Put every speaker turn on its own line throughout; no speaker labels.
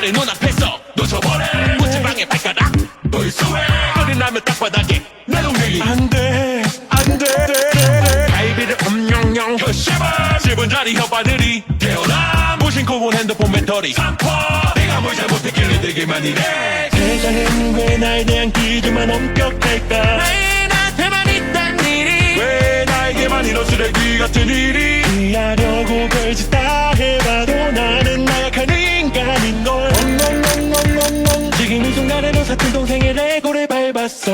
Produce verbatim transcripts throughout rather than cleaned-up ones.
내 눈앞에서 놓쳐버려 무지방에 발가락 너의 수에 거리 나면 땅바닥에 내 동생이
안돼 안돼
갈비를 엄영영 혀씹어 씹은 자리 혓바늘이 태어나 무심코 본 핸드폰 배터리 삼포 내가 뭘 잘못했길래 내게만 이래
세상은 왜 나에 대한 기준만 엄격할까
왜 나한테만 있단 일이
왜 나에게만 이런 쓰레기 같은 일이 이해하려고 별짓 다 해봐도 나는 나약한 인간인걸 엉엉엉엉엉엉 지금 이 순간에도 사촌 동생의 레고를 밟았어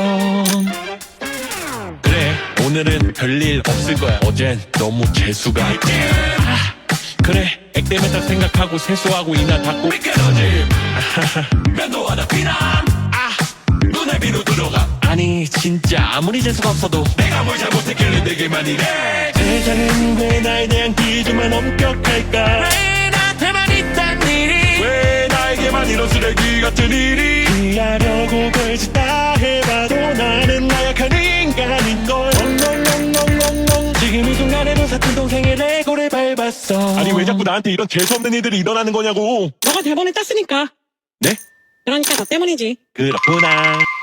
그래 오늘은 별일 없을 거야 어젠 너무 재수가 아, 그래 액땜했다 생각하고 세수하고 이나 닦고 미끄러짐 면도 하나 피남 아 눈에 비누 들어가 아니 진짜 아무리 재수가 없어도 내가 뭘 잘못했길래 내게만 이래
세상은 왜 나에 대한 기준만 엄격할까
왜 나한테만 있단 일이
왜 나에게만 이런 쓰레기 같은 일이 이해하려고 별짓 다 해봐도 나는 나약한 인간인걸 엉엉엉엉엉엉 지금 이 순간에도 사촌 동생의 레고를 밟았어
아니 왜 자꾸 나한테 이런 재수없는 일들이 일어나는 거냐고
너가 대본을 땄으니까.
네?
그러니까 너 때문이지.
그렇구나